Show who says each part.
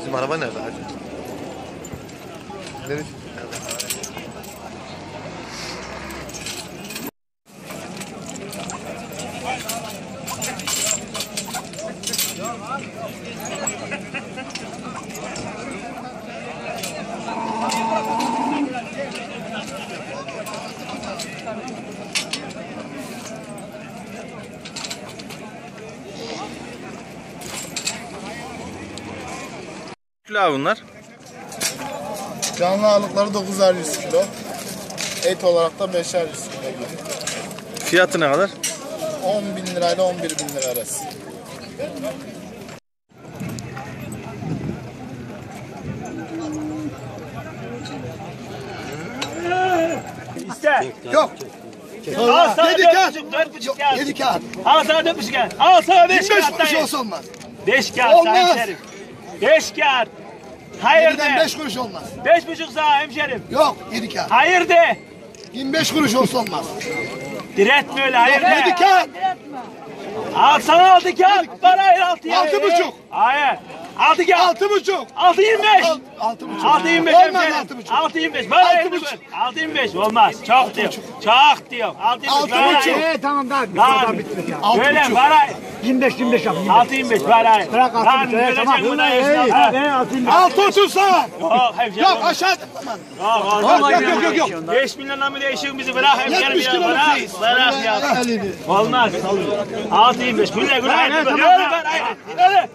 Speaker 1: Bizim araba nerede hacı? Nerede?
Speaker 2: Kilo abi bunlar.
Speaker 3: Canlı ağırlıkları 9'ar 100 kilo. Et olarak da 5'er 100 kilo gibi.
Speaker 2: Fiyatı ne kadar?
Speaker 3: 10.000 lirayla 11.000 lira arası.
Speaker 4: İste.
Speaker 3: Yok.
Speaker 4: Al sana
Speaker 3: Yedi
Speaker 4: 4,5 kağıt.
Speaker 3: 7 kağıt.
Speaker 4: Al sana 4,5 kağıt. Al sana 5
Speaker 3: 25
Speaker 4: kağıt
Speaker 3: kuruş
Speaker 4: dayı.
Speaker 3: olsa olmaz.
Speaker 4: 5 kağıt
Speaker 3: Olmaz.
Speaker 4: hemşerim. 5 kağıt. Hayır
Speaker 3: 7'den
Speaker 4: de.
Speaker 3: 5 kuruş olmaz.
Speaker 4: 5,5 sana hemşerim.
Speaker 3: Yok 7 kağıt.
Speaker 4: Hayır de.
Speaker 3: 25 kuruş olsa olmaz.
Speaker 4: Diretme öyle hayır
Speaker 3: Yok 7
Speaker 4: de.
Speaker 3: kağıt.
Speaker 4: Al sana 6 kağıt. Bana hayır 6 ya.
Speaker 3: 6,5.
Speaker 4: Hayır. 6 kağıt.
Speaker 3: 6,5.
Speaker 4: 6,25.
Speaker 3: 6,5.
Speaker 4: 6,25
Speaker 3: Olmaz
Speaker 4: hemşerim.
Speaker 3: 6,5.
Speaker 4: 6,25. Bana
Speaker 3: 6,5.
Speaker 4: 6,25 olmaz. Çok diyor. Çok diyor. 6,25 bana
Speaker 3: 6,5.
Speaker 4: hayır.
Speaker 5: Tamam daha
Speaker 4: Lan. Öyle
Speaker 3: 6,5.
Speaker 4: bana hayır.
Speaker 5: 25 yap.
Speaker 4: 6,25 bana hayır.
Speaker 5: Bırak
Speaker 4: Lan
Speaker 5: 6,5,
Speaker 4: görecek
Speaker 5: tamam.
Speaker 4: bu da
Speaker 5: Hey,
Speaker 4: yaşına.
Speaker 5: ben 6,25.
Speaker 3: 6,30 sana.
Speaker 4: Yok hemşerim.
Speaker 3: Yok aşağı. Yok.
Speaker 4: 5 milyonla mı değişiyor bizi bırak hemşerim
Speaker 3: 70
Speaker 4: ya
Speaker 3: kilo
Speaker 4: bırak.
Speaker 3: mısın?
Speaker 4: Bırak ya.
Speaker 3: Elini.
Speaker 4: Olmaz. 6,25 güle güle. Hadi hadi. Hadi.